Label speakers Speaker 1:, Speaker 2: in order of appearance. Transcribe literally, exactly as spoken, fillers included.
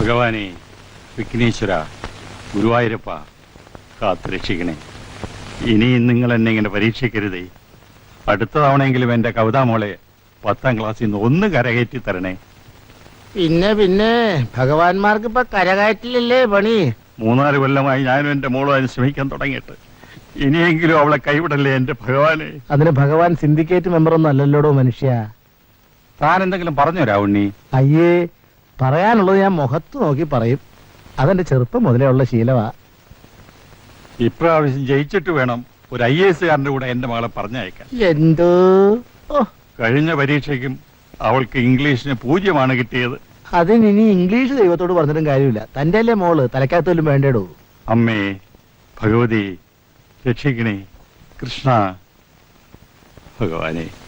Speaker 1: ഭഗവാനെ, വിഘ്നേശ്വര, ഗുരുവായൂരപ്പ, കാത്തുരക്ഷിക്കണേ. ഇനിയും നിങ്ങൾ എന്നെ ഇങ്ങനെ പരീക്ഷിക്കരുതേ. അടുത്ത തവണയെങ്കിലും എന്റെ കവിതാമോളെ പത്താം ക്ലാസ്സിൽ നിന്ന് ഒന്ന് കരകയറ്റി തരണേ.
Speaker 2: പിന്നെ പിന്നെ ഭഗവാൻമാർക്ക് ഇപ്പൊ കരകയറ്റില്ലല്ലേ പണി.
Speaker 1: മൂന്നാല് കൊല്ലമായി ഞാനും എന്റെ മോളും അതിന് ശ്രമിക്കാൻ തുടങ്ങിയിട്ട്. ഇനിയെങ്കിലും അവളെ കൈവിടല്ലേ എന്റെ ഭഗവാനെ.
Speaker 2: അതിന് ഭഗവാൻ സിൻഡിക്കേറ്റ് മെമ്പർ ഒന്നും അല്ലല്ലോടോ മനുഷ്യ.
Speaker 1: താൻ എന്തെങ്കിലും പറഞ്ഞോ രാവുണ്ണി?
Speaker 2: അയ്യേ, പറയാനുള്ളത് ഞാൻ മുഖത്ത് നോക്കി പറയും. അതെന്റെ ചെറുപ്പം മുതലേ ഉള്ള ശീലമാ.
Speaker 1: ഇപ്രാവശ്യം ജയിച്ചിട്ട് വേണം ഒരു ഐ എ എസുകാരന്റെ കൂടെ എന്റെ മകളെ പറഞ്ഞയക്കാൻ.
Speaker 2: എന്തോ
Speaker 1: കഴിഞ്ഞ പരീക്ഷയ്ക്കും അവൾക്ക് ഇംഗ്ലീഷിന് പൂജ്യമാണ് കിട്ടിയത്.
Speaker 2: അതിനി ഇംഗ്ലീഷ് ദൈവത്തോട് പറഞ്ഞിട്ടും കാര്യമില്ല. തന്റെ അല്ലേ മോള്, തലക്കകത്തോലും വേണ്ടേടോ.
Speaker 1: അമ്മേ ഭഗവതി, രക്ഷിക്കണേ. കൃഷ്ണ ഭഗവാനെ.